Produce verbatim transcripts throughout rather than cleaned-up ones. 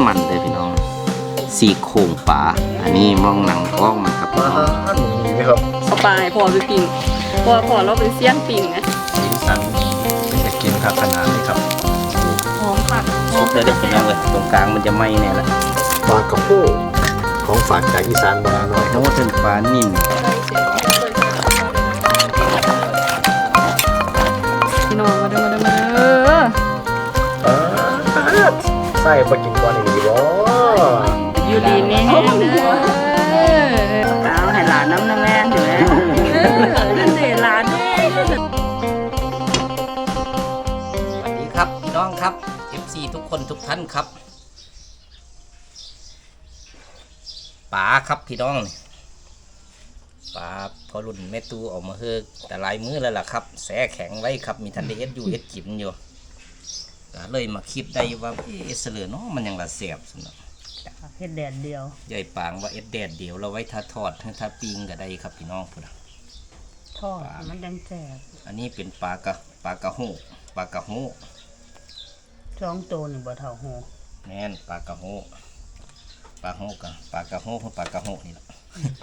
มันเลยพี่น้องสี่โครงปลาอันนี้มองหนังท้องมันครับพี่น้องนี่ไหมครับเอาปลาให้พ่อไปปิ้งพ่อพ่อเราเป็นเสี้ยนปิ้งนะสีสันจะกินครับขนาดนี้ครับหอมค่ะซุปเลยเด็กพี่น้องเลยตรงกลางมันจะไหม้แน่ละปลากระโพกของฝากจากอีสานบ้านหน่อยโน้ถึงปลานิ่มพี่น้องมาเด้อมาเด้อมาเด้อใส่ปลากินก้อนอีกบ่อยู่ดีแม่เด้อเอาให้หลานน้ำนะแม่อยู่แล้วนั่นเด้หลานเด้สวัสดีครับพี่น้องครับ เอฟ ซี ทุกคนทุกท่านครับปลาครับพี่น้องปลาพอรุ่นแม่ตูออกมาเฮือกแต่ลายมือแล้วล่ะครับแสแข็งไว้ครับมีทันได้เอ็ดอยู่เอ็ดกินอยู่เลยมาคิดได้ว่าเอสเลือเนาะมันยังละเสียบสนุกเฮ็ดแดดเดียวใหญ่ปางว่าเอ็ดแดดเดียวเราไว้ทาทอดถ้าปิ้งก็ได้ครับพี่น้องพุ่นทอดมันยังแซ่บอันนี้เป็นปลากระปลากระโหปลากระโหสองตัวนี่บ่เท่าโหแน่นปลากระโหปลาโหกับปลากระโหคือปลากระโหนี่แหละ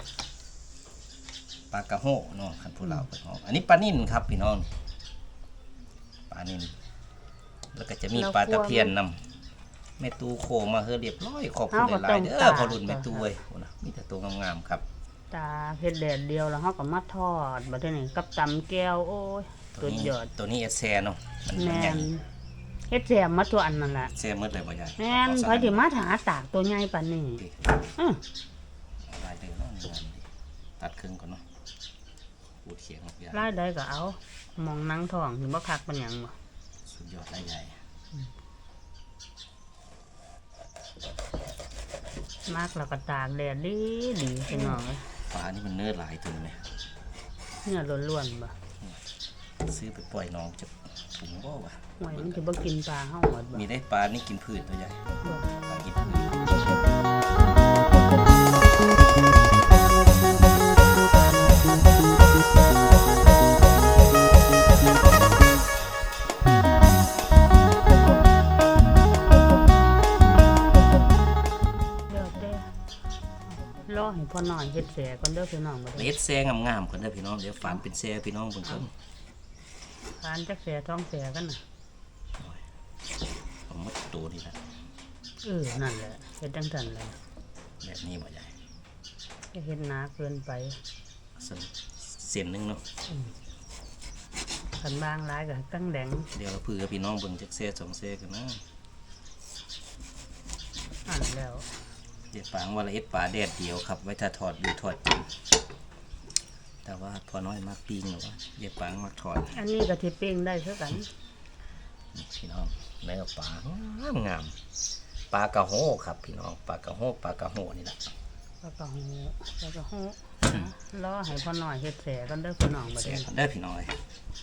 ปลากระโหเนาะคันผู้เราไปห้องอันนี้ปลานิ่นครับพี่น้องปลานิ่นแล้วก็จะมีปลาตะเพียนนำแม่ตูโคมาเฮือเรียบร้อยขอบคุณหลายๆเด้อพอรุ่นแม่ตูเว้ยมีแต่ตัวงามๆครับตาเฮ็ดแดดเดียวแล้วเฮาก็มาทอดบัดนี้กับตำแก้วโอ้ยตัวยอดตัวนี้เอสแซเนาะมันใหญ่เฮ็ดแซมมาตัวอันนั่นล่ะแซมหมดเลยบ่ใหญ่แม่นไผสิมาหาตากตัวใหญ่ปานนี้อื้อลายเด้อเนาะตัดครึ่งก่อนเนาะปูดเขียงยาวลายใดก็เอามองหนังท้องสิบ่คักปานหยังบ่สุดยอดลายใหญ่มากแล้วก็ตากแดดดีดีพี่น้องปลานี่มันเนื้อหลายตัวไหมเนื้อล้วนๆบ่ซื้อไปปล่อยน้องจะถุงบ่วะหวยมันจะบ่กินปลาเฮาหมดบ่มีได้ปลานี่กินพืชตัวใหญ่ปลากินพืชรอให้พ่อหน่อยเฮ็ดแซ่ก่อนเด้อพี่น้องบ่ได้เฮ็ดแซ่งามๆก่อนเด้อพี่น้องเดี๋ยวฝานเป็นแซ่พี่น้องเพิ่นเพิ่นฝานจักแซ่ท้องแซ่กันน่ะเอาหมดตัวนี่ล่ะเออนั่นแหละเฮ็ดจังซั่นแหละแบบนี้บ่ใหญ่จะเฮ็ดหนาเกินไปเส้นนึงเนาะคันบางหลายก็ตั้งแดงเดี๋ยวเราเผื่อพี่น้องเบิ่งจักแซ่สองแซ่กันนะอันแล้วเดี๋ยวปางว่าละเอ็ดปลาแดดเดียวครับไว้ถ้าทอดอยู่ทอดกินแต่ว่าพอน้อยมากปิ้งหรอวะเดี๋ยวปางมากทอดอันนี้ก็ที่ปิ้งได้เท่ากันพี่น้องเนื้อปลางามงามปลากระโหครับพี่น้องปลากระโหปลากระโหนี่แหละปลากระโหปลากระโหรอให้พ่อหน่อยเฮ็ดแซ่กันเด้อพี่น้องมาเด้อพี่น้อย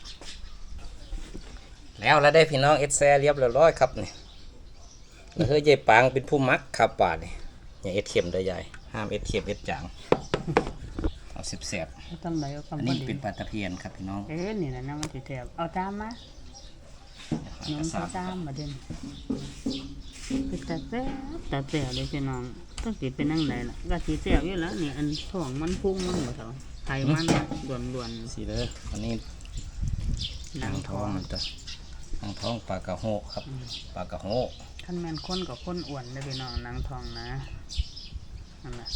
แล้วแล้วได้พี่น้องเอ็ดแซ่เรียบร้อยครับนี่เฮ้ยยายปางเป็นผู้มักครับป่านี่อย่าเอ็ดเข็มได้ใหญ่ห้ามเอ็ดเข็มเอ็ดจางเอาเสียบๆอันนี้เป็นปลาตะเพียนครับพี่น้องเอ๊ะนี่นะน้ำมันจะแทบเอาตามมาน้ำใส่ตามมาเด่นเป็นตาแซ่บตาแซ่บเลยพี่น้องต้องติดเป็นนั่งไหนล่ะก็สีแซ่บอยู่แล้วนี่อันท้องมันพุ่งมันหมดแล้วไข่มันล้วนๆสีเลยอันนี้หนังท้องมันจะหนังท้องปลากระโหครับปลากระโหท่านแมนข้นกับข้นอ้วนได้พี่น้องนางทองนะนั่นแหละ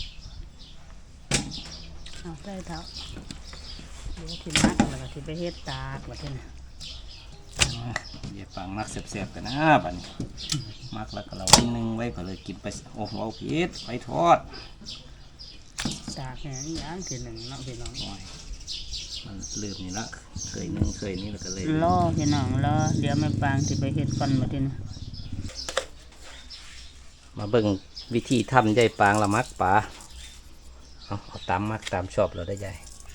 เอาใส่เท้าเดี๋ยวที่มักแล้วก็ที่ไปเฮ็ดตากแบบนี้นะเดี๋ยวปังมักเสียบๆกันนะบัดนี้มักแล้วก็เราไว้นึ่งไว้ก็เลยกินไปโอ้โหเอาพีชไปทอดตากแห้งย่างทีหนึ่งเนาะพี่น้องมันลืมนี่ละเคยนึ่งเคยนี่แล้วก็เลยรอพี่น้องรอเดี๋ยวแม่ปางที่ไปเฮ็ดฟันแบบนี้นะมาเบิ่งวิธีทำใยปางละมักปลาเอาเอาตามมักตามชอบเราได้ใหญ่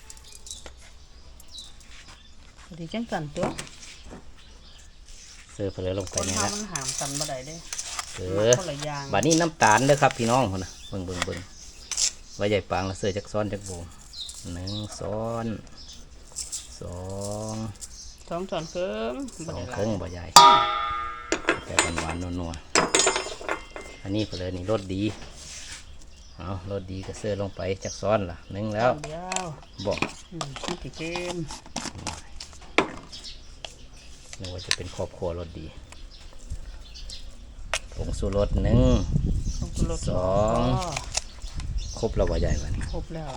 ดีจังกันตัวเสิร์ฟไปเลยลงไปนี่ละมันหามกันบ่ได้เด้เออบัดนี้น้ำตาลเด้อครับพี่น้องคนนะเบิ่งเบิ่งเบิ่งไว้ใหญ่ปางละเสิร์ฟจักซ้อนจักโบหนึ่งซ้อนสองสองช้อนครึ่งสองครึ่งบ่ใหญ่แต่หวานๆนัวๆอันนี้ไปเลยนี่รสดีเอารสดีก็เสื้อลงไปจากซ้อนล่ะนึ่งแล้วเดียวบอกอืมนี่ติเกมนึกว่าจะเป็นครอบครัวรสดีผงสูรสหนึ่งต้องกรดสอง ครบแล้วว่าใหญ่กว่านี้ครบแล้ว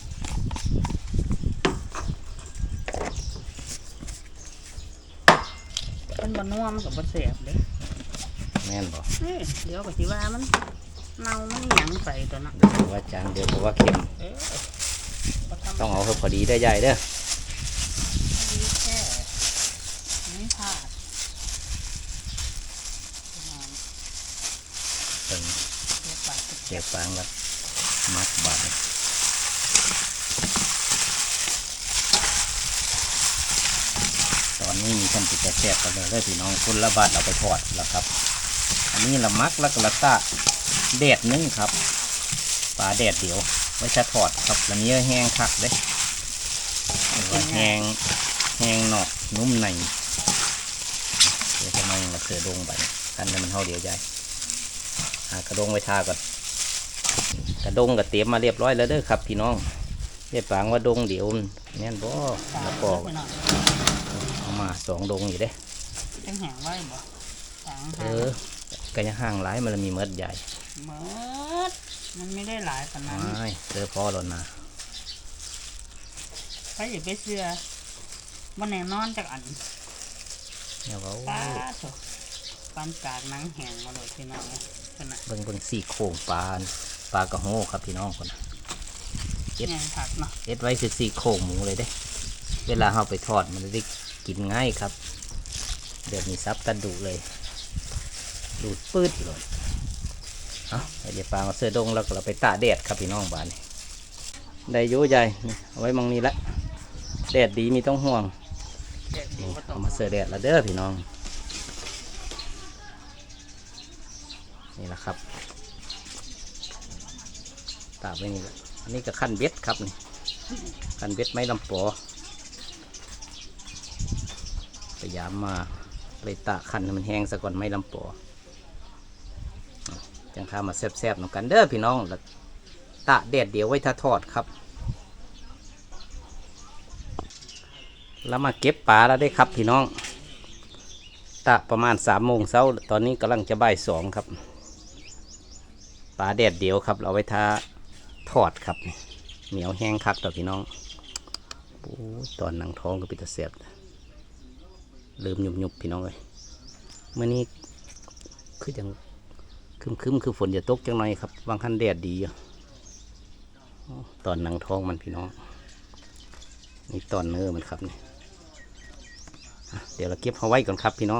มันบะนัวมันกับบะแสบเลยแม่นบอกเอ้ยเดี๋ยวก็สิว่ามันเน่ามันหยังไปตัวน่ะเดี๋ยวว่าจางเดี๋ยวเพราะว่าเค็มเอ้ยบ่ทำต้องเอาให้พอดีได้ใหญ่เด้อดีแค่ไม่พลาดเป็นเรียบปากเสียบฟางแล้วมัดบาดเลยตอนนี้มีคนติดแสบกันเลยเด้อพี่น้องคนละบาทเอาไปทอดแล้วครับ อันนี้ละมักแล้วก็ละตะแดดนึงครับปลาแดดเดียวไว้จะทอดครับแล้วนี้แห้งคักเด้ว่าแห้งแห้งนอกนุ่มในเดี๋ยวจะมาอย่างละเสือดงไปกันให้มันเท่าเดียวใหญ่หากระดงไว้ทาก่อนกระดงก็เตรียมมาเรียบร้อยแล้วเด้อครับพี่น้องเรียบปางว่าดงเดี๋ยวแน่นบ่แล้วก็เอามาสองดงอยู่เด้จังแหงไว้บ่สางเอหาอก็ยังห่างหลายมันละมีเมดใหญ่เมิดมันไม่ได้หลายขนาดนั้นไม่เจอพอแล้วนะไปอย่าไปเชื่อมันแน่นอนจากอันเนี่ยว่าป้าโถปานกากหนังแหงมาเลยพี่น้องขนาดเบิ่งเบิ่งสี่โค้งปลาปลากระโหครับพี่น้องคนน่ะแหงผักเนาะเอ็ดไว้คือสี่โค้งหมูเลยเด้ เวลาเอาไปทอดมันจะได้กินง่ายครับ เดี๋ยวมีซับตันดูเลยดูดปืดเลยเอาเดี๋ยวปลามาเสื้อดงแล้วก็เราไปตากแดดครับพี่น้องบ้านนี่ได้อยุ่ใหญ่นี่เอาไว้มองนี้ละแดดดีมีต้องห่วงแดดดีนี่บ่ต้อเอางมาเสื้อแดดแล้วเด้อพี่น้องนี่แหละครับตากไว้นี่แหละอันนี้ก็ขั้นเบ็ดครับนี่ขั้นเบ็ดไม้ลำปอพยายามมาเลยตากขั้นให้มันแห้งซะก่อนไม้ลำปอจังข้ามาแซ่บๆหนกันเด้อพี่น้องแล้วตากแดดเดียวไว้ถ้าทอดครับแล้วมาเก็บปลาแล้วได้ครับพี่น้องตากประมาณสามโมงเช้าตอนนี้กำลังจะบ่ายสองครับปลาแดดเดียวครับเราไว้ทาทอดครับเหนียวแห้งคักต่อพี่น้องโอ้ตอนหนังท้องก็ปิดตาเสียบลืมหยุบหยุบพี่น้องเลยเมื่อนี้คือยังคึมคึมๆคือฝนจะตกจังหน่อยครับบางคันแดดดีอยู่ตอนหนังท้องมันพี่น้องนี่ตอนเนื้อมันครับนี่อ่ะเดี๋ยวเราเก็บเอาไว้ก่อนครับพี่น้อง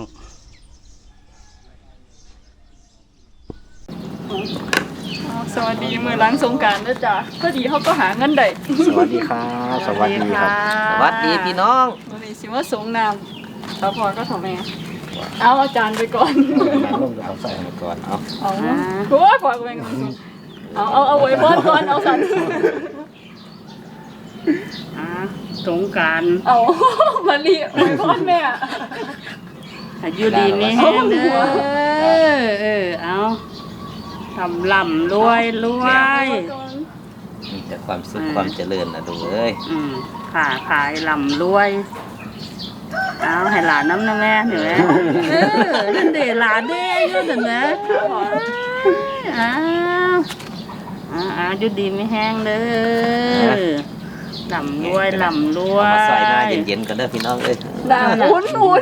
สวัสดีมือล้างสงกรารนะจ๊ะพอดีเขาก็หาเงินได้สวัสดีครับสวัสดีครับสวัสดีพี่น้องวันนี้สิว่าสงน้ำสาวพรก็ทำแม่เอาอาจารย์ไปก่อนน้ำลงเอาใส่มาก่อนเอาเอากูว่าพอกูเป็นคนสูงเอาเอาเอาไว้บอนก่อนเอาสันอ่าสงกรารเอามาลีไว้บอนแม่อายุดีนี่แห้งเด้อเออเอาทำลำรวยรวยมีแต่ความสุขความเจริญนะดูเอ้ยอืมขาขายลำรวย เอาให้หลานน้ำนะแม่เห็นไหมเออนั่นเดหลานเด้ก็เห็นไหมอ้าวอ้าวอ้าวยุดีไม่แห้งเด้อลำรวยลำรวเอายมาใส่หน้าเย็นๆกันเด้อพี่น้องเอ้ยดาวอุ่นอุ่น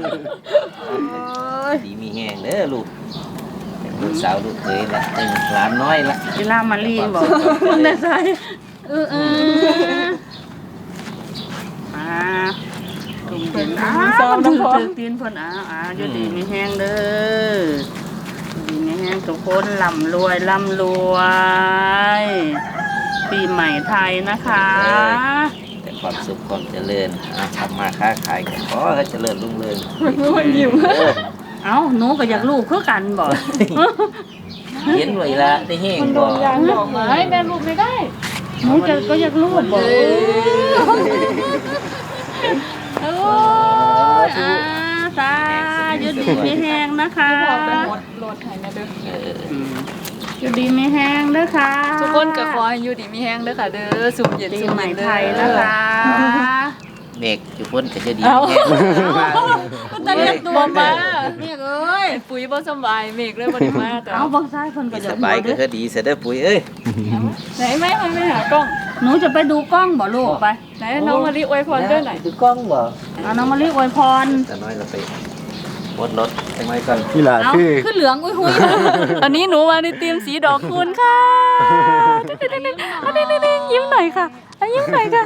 ดีมีแห้งเด้อลูกลูกสาวลูกเคยละเป็นหลานน้อยละเวลามาลีบอกมันได้ใส่เออเอออ่าตุ่มเย็นอ้าวถือถือตีนเพ่นอ้าวอ้าวยุดีไม่แห้งเด้อดีไม่แห้งทุกคนลำรวยลำรวย ปีใหม่ไทยนะคะแต่ความสุขความเจริญอ่ะทำมาค้าขายก็ขอให้เจริญรุ่งเรืองมันยิ้มเออเอ้าหนูก็อยากลูกคือกันบ่เย็นไว้ละได้แห้งมันโดบ่นยางดอกไม้แม่ลูกไม่ได้หนูจะก็อยากลูกบ่โอ้ยอ่าสาอยู่ดีไม่แห้งนะคะพอไปหมดโหลดให้นะเด้ออยู่ดีไม่แห้งนะคะทุกคนก็ขอให้อยู่ดีมีแห้งเด้อค่ะเด้อสุ่มเย็นปีสุ่มใหม่เย็นเด้อไทยนะคะเด็กอยู่พ้นก็จะดีเอาแห้งตอนนี้บ่มาเมียเอ้ยปุ๋ยบ่สบายเมฆเลยบ่ได้มาแต่เอาบางซ้ายคนก็สจะบายก็คือดีเสียเด้อปุ๋ยเอ้ยไหนแม่มันไปหากล้องหนูจะไปดูกล้องบ่ลูกไปไหนน้องมะลิอวยพรเด้อหน่อยคือกล้องบ่เอาน้องมารีอวยพรแต่น้อยเราไปรถรถทำไมก่อนนี่ล่ะเอาคือขึ้นเหลืองอุ้ยหุยอันนี้หนูมาในทีมสีดอกคูณค่ะอันนี้ๆๆยิ้มหน่อยค่ะอ่ะยิ้มหน่อยค่ะ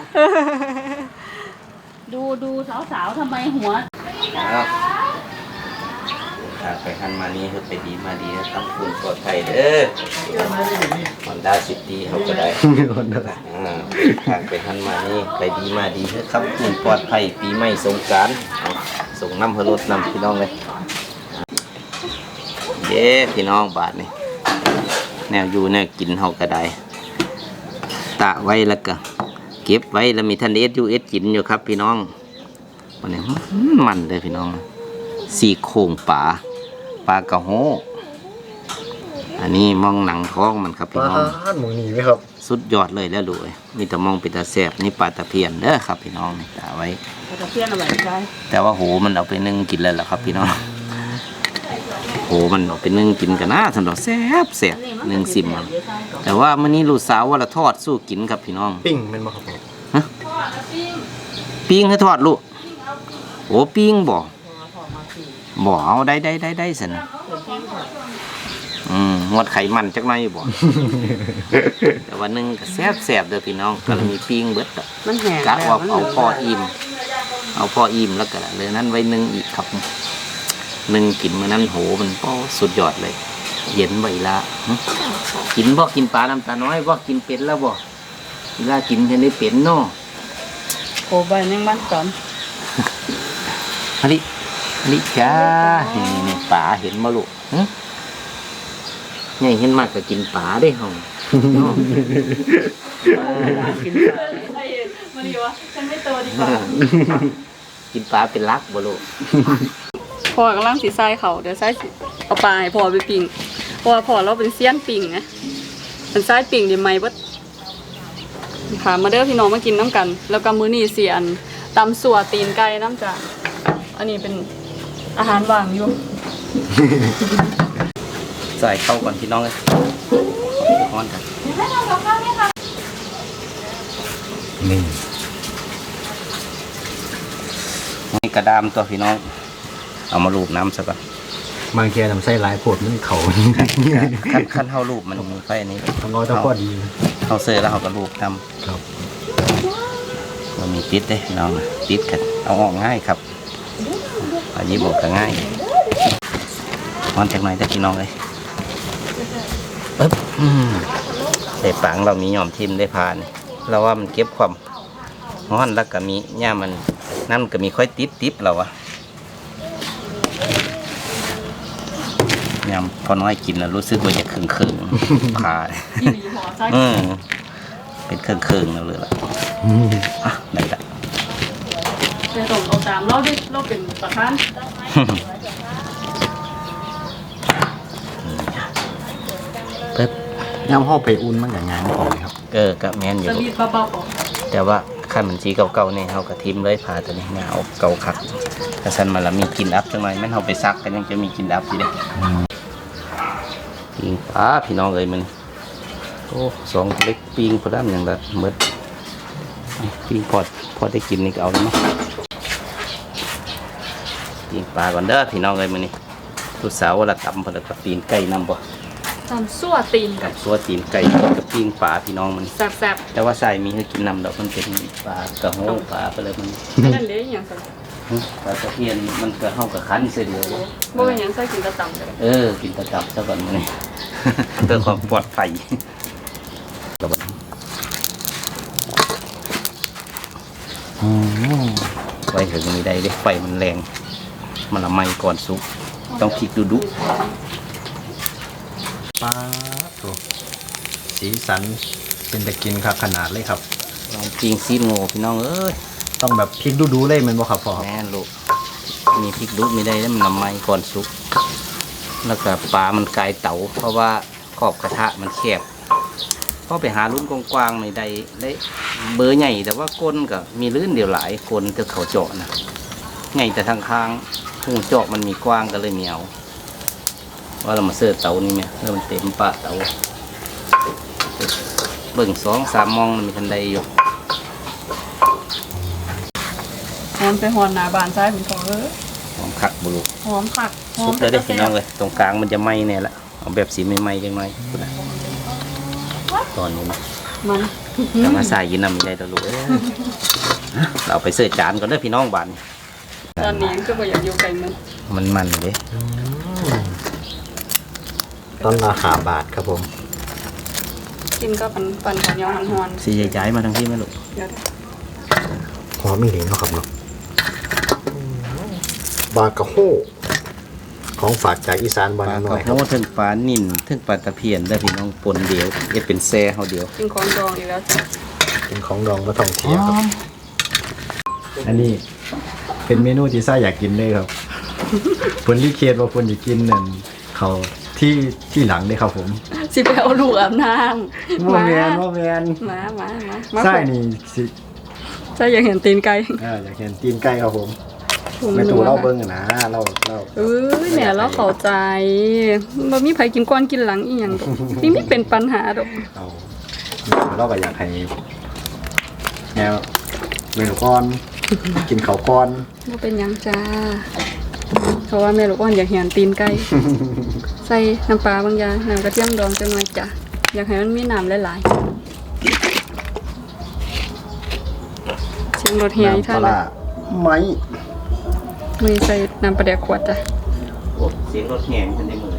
ดูดูสาวๆทำไมหัวเอาทางไปหันมานี้คือไปดีมาดีตั้งคุณปลอดภัยเด้อฮอนด้าซิตี้เขาก็ได้คนเดียวอ่าทางไปหันมานี้ไปดีมาดีเถอะครับคุณปลอดภัยปีใหม่สงกรานต์เอาส่งน้ำเพลดน้ำพี่น้องเลยเย้พี่น้องบาทนี่แนวอยู่แนวกินเขาก็ได้ตะไว้แล้วก็เก็บไว้แล้วมีทันเอสยูเอสกินอยู่ครับพี่น้องวันนี้มันเลยพี่น้องสี่โครงปลาปลากระโหอันนี้มองหนังท้องมันครับพี่ป้าน้องดหมองนี้ไหมครับสุดยอดเลยแล้วลูกเอ้ยมีแต่มองเป็นตาแสบนี่ปลาตะเพียนเด้อครับพี่น้องนี่ตาไว้ตะเพียนเอาไว้ใช่แต่ว่าโหมันเอาไปนึ่งกินแล้วล่ะครับพี่น้องโหมันเอาไปนึ่งกินกันนะสำหรับแซ่บแซ่บนึ่งซิมมันแต่ว่ามื้อนี้ลูกสาวว่าละทอดสู้กินครับพี่น้องปิ้งแมันบ่ครับผมฮะปิ้งให้ทอดลูกโอ้ปิ้งบ่บ่เอาได้ได้ได้ได้สินะอืมงดไขมันจักหน่อยบ่ แต่ว่านึ่งก็แซ่บแซ่บเด้อพี่น้องก็เลยมีปิ้งเบิดอะมันแห้งกะว่าเอาพออิ่มเอาพออิ่มแล้วก็เลยนั้นไว้นึ่งอีกครับนึ่งกินมื้อนั้นโหมันก็สุดยอดเลย เย็นไว้ละหึกินบ่กินปลาน้ำตาน้อยบ่กินเป็ดแล้วบ่เวลากินจะได้เป็นเนาะโอ้ใบยังบ้านสอนอันนี้อันนี้จ้านี่นี่ปลาเห็นบ่ลูกหึใหญ่เห็นมากก็กินปลาได้ห้องเนาะกินปลาไอ้มาดีวะฉันไม่โตดีกว่ากินปลาเป็นลักบ่ลูกพ่อกำลังสีทรายเขาเดี๋ยวทรายสิเอาปลาให้พ่อไปปิ้งเพราะว่าพ่อเราเป็นเซียนปิ้งนะเป็นทรายปิ้งเดี๋ยวไม่เบิดค่ะมาเด้อพี่น้องมากินน้ำกัน แล้วก็มื้อนี้เสียนตำสัวตีนไก่น้ำจ้ะอันนี้เป็นอาหารว่างอยู่ใส่เข้าก่อนพี่น้องเลยฮ้อนกันนี่นี่กระดามตัวพี่น้อง เอามาลูบน้ำซะก่อนบางแกทำไส้หลายโพดมันเขาขั้นขั้นเท่ารูปมันมีไฟอันนี้ต้องเอาแตะพอดีเขาเซอร์แล้วเขาก็รูปทครับำมันมีติดเด้น้องติดกันเอาออกง่ายครับอันนี้บอกก็ง่ายร้อนจากหน่อยได้พี่น้องเลยปึ๊บอืมใส่ปังเรามีหย่อมทิมได้พานเราว่ามันเก็บความร้อนแล้วก็มีเนี่ยมันนั่นก็มีค่อยติดติดเราอะยำพอน้อยกินแล้วรู้สึกว่าจะเคืองเคืองๆผ่าอีหลีหัวทรายอืมเป็นเครื่องเครื่องแล้วเลยล่ะอ่ะได้ละไปส่งเอาตามเราดิเราเป็นประธานปึ๊บย่ำห่อไปอุ่นมันกับงานของครับเออกับแมนอยู่สวีทเบาๆก่อนแต่ว่าขั้นมันสีเก่าๆนี่เขากระทิมเลยพาตัวนี้เนี่ยเอาเก่าคักถ้าสันมาแล้วมีกลินอัพจังหน่อยแม่นเขาไปซักกันยังจะมีกลินอัพอยู่เด้ปิงปลาพี่น้องเอ้ยมันโอ้สองเล็กปิงพอด้ามอย่างละเมื่อปิงพอดพอได้กินนี่ก็เอาแล้วมั้งปิงปลาก่อนเด้อพี่น้องเอ้ยมันนี่ทุกสาวละตำพอแล้วกับตีนไก่นำบ่ตามสั่วตีนกับตัวตีนไก่กับปิ้งปลาพี่น้องมันแซ่บแต่ว่าใส่มีให้กินนำดอกมันเป็นปลากระโหงปลาไปเลยมันๆนั่นเลยอย่างสักหึปลาตะเพียนมันก็เข้ากับคันเสียเดียวบ่เป็นหยังใส่กินแตะตำเลยเออกินตะกับซะก่อนมันนี่ เพื่อความปลอดภัยระเบิดอืมไว้ถึงมีได้เด้ไฟมันแรงมันละไหม้ก่อนสุกต้องพลิกดูดุปลาตัวสีสันเป็นตะกินครับขนาดเลยครับลองปิ้งซีนโง่พี่น้องเอ้ยต้องแบบพริกดูๆเลยแมันบ่ครับพ่อแม่นลูกมีพริกดุมีได้แล้วมันน้ำไหม้ก่อนสุกแล้วก็ปลามันกลายเต๋าเพราะว่าขอบกระทะมันแคบพอไปหารุ่นกว้างๆในใดได้เบอร์ใหญ่แต่ว่าก้นก็มีลื่นเดียวหลายคนจะเขาเจาะนะใหญ่แต่ทางข้างหูเจาะมันมีกว้างก็เลยเหนียวว่าเรามาเสิร์ฟเตานี่เนี่ยแล้วมันเต็มปะเตาเบิ่งสองสามมองมันมีทันใดอยู่หอมไปหอนหน้าบ้านซ้ายผมขอเออหอมคักบุรุษหอมผักหอซุมปเลยได้อพี่น้องเลยตรงกลางมันจะไหม้เนี่ยละเอาแบบสีไม่ไหม้จังหน่อยตอนนี้นะมันแต่มาใส่ยินนำไม่ได้ตวลูกเอ้ยเราเอาไปเสิร์ฟจานก่อนเด้อพี่น้องบ้านตอนนี้ก็บ่อยากอยู่ไกลมันมันมันเด้ต้นละห้าบาทครับผมกินก็ปันปันข้าวเหนียวหอนสีใหญ่ๆมาทั้งที่ไหมลูกๆเดี๋ยวหอมอีหลีเนาะครับเนาะบากะโฮของฝากจากอีสานปบ้านลาน้กอระยครัโพบดถึงปลานิ่นถึงปลาตะเพียนได้อพี่น้องปนเดียวเอ็ดเป็นแซ่เขาเดียวกินของดองอีกแล้วจ้ะเป็นของดองมาท่องเที่ยวครับอันนี้เป็นเมนูที่ซ่าอยากกินเลยครับ ผลรีเควสว่าผลอยากกินนั่นเขาที่ที่หลังเลยครับผมสิไปเอาลูกอาบน้ำโมแมนโมแมนมามามามาไส้นี่สิใช่อยากเห็นตีนไก่อ่าอยากเห็นตีนไก่ครับผมไม่ตูเล่าเบิ้งอะนะเล่าเล่าเอ้ยแหม่เราเข้าใจบ่มีไผกินก่อนกินหลังอีหยังดอกนี่ไม่เป็นปัญหาดอกเอาเราก็อยากให้แนวเมนูก้อน กินเขาวก้อนบ่เป็นหยังจ้าเพราะว่าแม่ลูกอ่อนอยากเห็นตีนไก่ใส่น้ำปลาบางอย่างน้ำกระเทียมดองจังหน่อยจ้ะอยากให้มันมีน้ำหลายๆเสียงรถเฮียอีน้ำปท่าลานละร้าไหมมือใส่น้ำปลาแดกขวดจ้ะโอ้เสียงรถแง่ขึ้นในมือ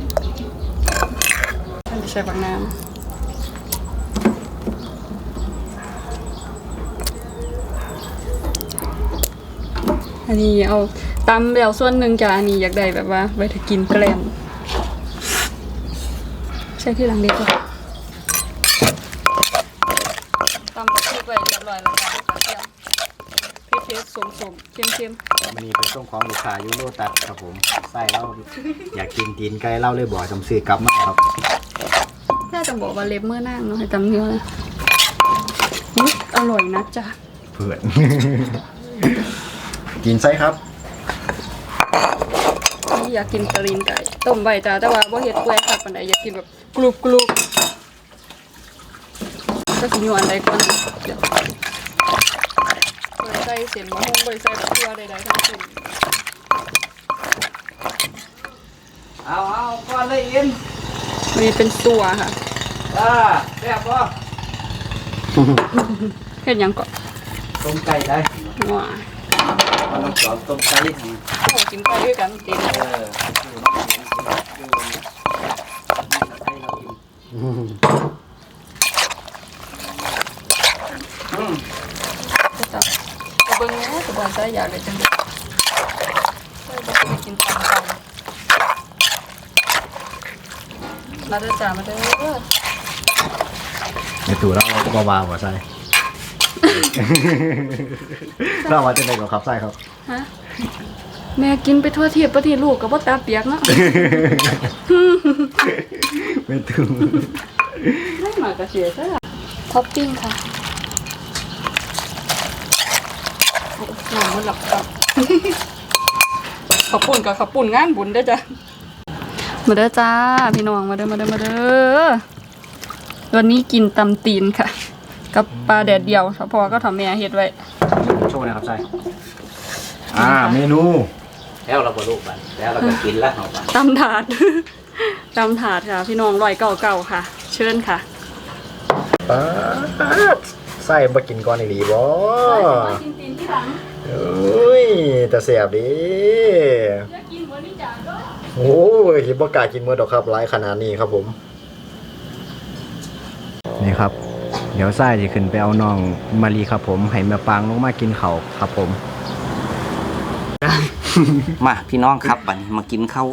ใส่บักน้ำอันนี้เอาตำแล้วส่วนหนึ่งจ้ะอันนี้อยากได้แบบว่าไว้ถ้ากินแกล้มใช่ที่หลังดีกว่าตำกับพริกไว้เรียบร้อยแล้วจ้ะกระเทียมพริกเทสสมๆเค็มๆมันนี่เป็นช่วงของลูกค้ายูโรตัดครับผมไส้เล่าอยากกินตีนไก่เล่าเลยบ่อยจำซื้อกลับมาครับน่าจะบอกว่าเล็บเมื่อนั่งเนาะให้จำเนื้อนะอุ๊ยอร่อยนะจ๊ะเพื่อน กินไส้ครับนี่อยากกินตะลินไก่ต้มใบจ้าแต่ว่าบ่เฮ็ดเปื่อยค่ะปานใดอยากกินแบบกรุบกรุบก็สิอยู่อันใดก่อนเดี๋ยวบ่ได้ใส่เส้นมะฮุ่งบ่ได้ใส่ดอกเกลือใดๆทั้งสิ้นเอาเอาก้อนเลยอินอันนี้เป็นตัวค่ะอ่าแซ่บป่ะเฮ็ดหยังก่อนต้มไก่ได้ว้าเอาน้ำซอสต้มไก่ทำโอ้กินไก่ด้วยกันตินเอออยู่น้ำเย็นอยู่นี่ไก่เราอินอืมก็จะเอาเบิ่งแหน่ก็บ่ใส่อยากได้จังได๋ใส่บ่ได้กินตามกันมาเด้อจ้ามาเด้อในตู้เราก็วางหัวไส้ เราว่าจะได้กับครับไส้ครับฮะแม่กินไปทั่วเทียบประเทศลูกกับว่าตาเปียกเนาะไม่ตู้ไม่มากระเสียซะท็อปปิ้งค่ะโอ้หนังมันหลับกับ ขอบปุ่นกับขอบปุ่นงานบุญเด้อจ้ะมาเด้อจ้าพี่น้องมาเด้อมาเด้อมาเด้อวันนี้กินตำตีนค่ะ กับปลาแดดเดียวพอก็ทำแม่เฮ็ดไว้โชว์นะครับไส้อ่าเมนูแล้วเราก็ลูกไปแล้วเราก็กินแล้วเอาไปตำถาด ตำถาดค่ะ พี่น้องร้อยเก่าเก่าค่ะ เชิญค่ะป๊าดไส้มากินก่อนอีหลีบ่กินตีนที่หลังเอ้ยแต่เสียบดิอยากกินวันนี้จ้าก็โอ้ยคิดว่ากล้ากินมื้อดอกครับหลายขนาดนี้ครับผม นี่ครับ เดี๋ยวไส้จะขึ้นไปเอาน้องมารีครับผมให้แม่ปางลงมากินเขาวครับผมมาพี่น้องครับบัดนี้มากินข้าว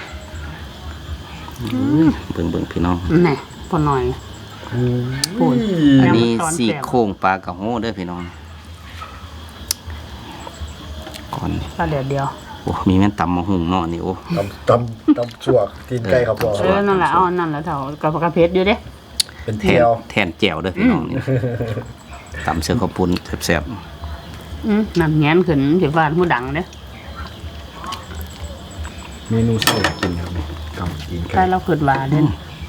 เบิ่งเบิ่งพี่น้องแหน่พอหน่อย พูดอันนี้ยังมาสอนสี่แซ่บโครงปลากระโห้เด้อพี่น้องก่อนปลาแดดเดียวโอ้มีแม่นตำมะฮุงเนาะนี่โอ้ตำตำตำชั่วตีนไก่ครับพ่อเออนั่นแหละเอาอันนั่นแหละเท่ากับกระเพชรอยู่เด้เป็นแทเทีนยวแทนแจ่วเด้อพี่น้องนี่ตำเสือข้าวปุ้นแซ่บอืมน้ำแงนขึ้นสิฟ้านผู้ดังเด้เมนูเส้าอยากกินครับนี่ตำตีนถ้าไก่เราขึ้นว่าเด้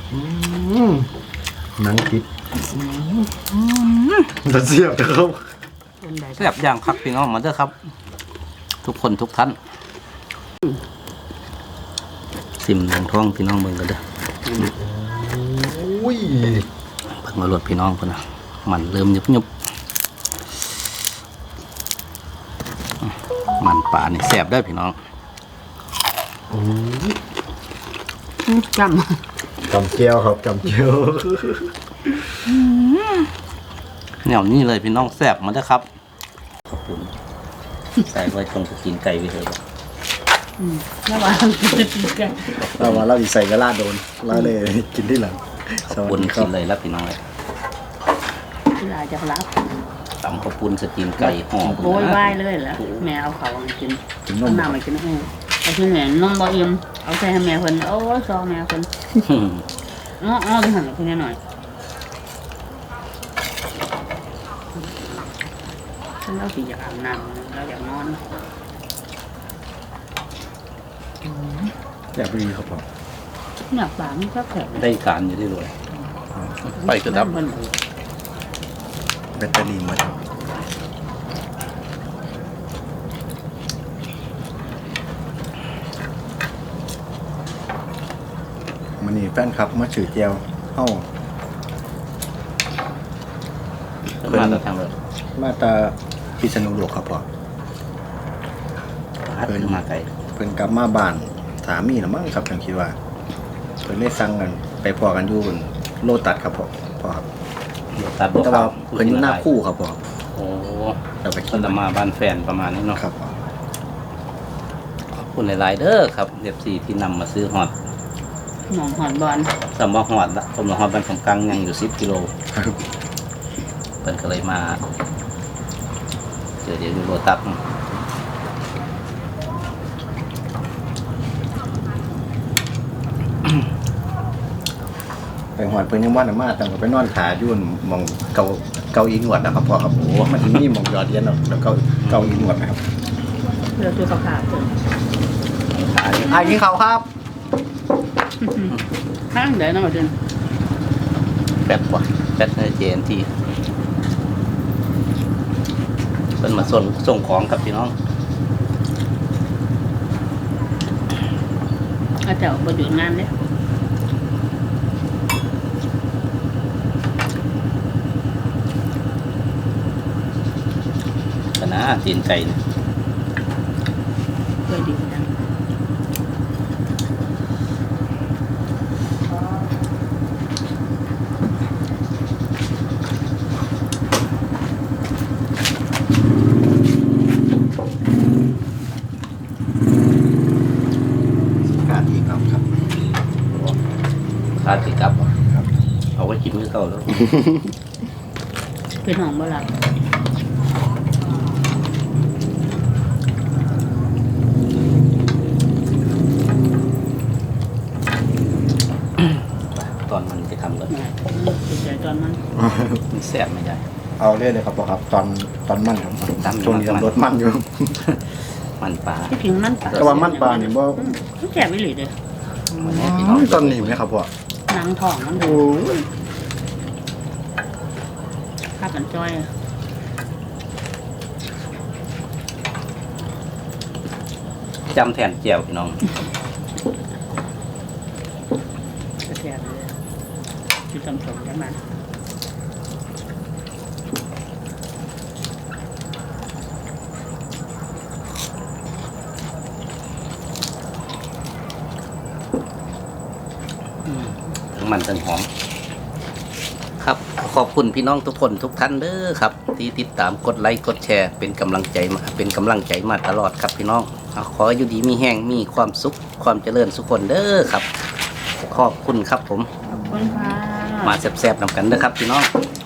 หนังติดจะเสียบครับเป็นไดๆแซ่บอย่างครับพี่น้องมาเด้อครับ ทุกคนทุกท่านซิมลงท้องพี่น้องเบิ่งกันเด้ออุ้ยเพิ่งมาลวดพี่น้องพุ่นน่ะมันเริ่มยุบยุบมันปลานี่แซ่บได้อพี่น้องอืมจจำเจียวครับจำเจียวแนวนี้เลยพี่น้องแซ่บมาเด้อครับขอบคุณใส่ไว้ตรงกินไก่ไปเถอะำอืมแล้วว่าจะกินกันเราว่าเราอีใส่กระลาโดนเราเลยกินที่หลังขอบคุณกินเลยแล้วพี่น้องเลยเวลาจะรับตำข้าวปุ้นสตีนไก่ห่อโวยวายเลยเหรอแม่เอาเขามากินกินนเอามน้ำมากินให้เอาที่ไหนนมบ่อิ่มเอาใส่ให้แม่เพิ่นโอ้ยซอแม่เพิ่นอ้ออ้อที่หันเพิ่นหน่อยฉันเราสิอยากอาบน้ำเราอยากนอนอยากไปดีครับผมอยากปากมันก็แข็งได้การอยู่ได้เลยไปกระดับเพิ่นแบตเตอรี่หมดมันนี่แฟนคลับมาถือเจียวเฮ้ามาแต่ทางเลยมาตาพิษณุโลกครับพ่อพัดขึ้นมาไก่เพิ่นกลับมาบ้านสามีนะมั้งครับฉันคิดว่าเพิ่นได้สั่งกันไปพอกันอยู่บนโลตัสครับพ่อพ่อครับตัดบวกแต่ว่าเพิ่นอยู่หน้าคู่ครับพ่อโอ้เราไปคคินดละมาบ้านแฟนประมาณนี้เนาะครับพ่อขอบคุณหลายๆเด้อครับเอฟซีที่นำมาซื้อฮอตหมองหอนบอลสำหรับฮอตละผมละฮอตบ้านของกลางยังอยู่สิบกิโลเพิ่นก็เลยมาเจอเดี๋ยวดูโรตัสไปหอดเพิ่นยังว่าน่ะมาตั้งแต่ไปนอนขาอยู่หมองเกาเกาอีหนวดนะครับพ่อครับโอ้มันสิมีหมองยอดเรียนเนาะแล้วเกาเกาอีหนวดนะครับเพื่อสุขภาพเพิ่นอ่ะกินข้าวครับข้างเดี๋ยวน้องมาเดินแป๊บกว่าแป๊บในเจนทีเพิ่นมาส่งส่งของกับพี่น้องอาจจะบ่หยุดงานเด้ก็นะตีนไก่เนี่ยเคยดีจังกาดีครับครับคาดติดกับบ่เอาไว้กินมื้อเก่าแล้วเป็นห้องบ่หลับตอนมันจะทำก็แม่ติดใจตอนมันมันแซ่บไม่ได้เอาเรื่อยเลยครับพ่อครับตอนตอนมันครับตอนมันช่วงนี้รถมันอยู่มันปลาที่จริงมันปลาแต่ว่ามันปลานี่บ่อืมมันแก่ไม่หลีเด้อวันนี้พี่น้องตอนนี้ไหมครับพ่อหนังท้องมันดูโอ้ยภาพกันจ้อยอะจำแทนเจียวพี่น้องแก่ๆเลยที่ตำสมจังมันทั้งมันทั้งหอม ครับขอบคุณพี่น้องทุกคนทุกท่านเด้อครับ ที่ติดตามกดไลค์กดแชร์เป็นกำลังใจมาเป็นกำลังใจมาตลอดครับพี่น้องขออยู่ดีมีแห้งมีความสุขความเจริญสุขคนเด้อครับ ขอบคุณครับผมขอบคุณค่ะมาแซ่บๆนำกันเด้อครับพี่น้องค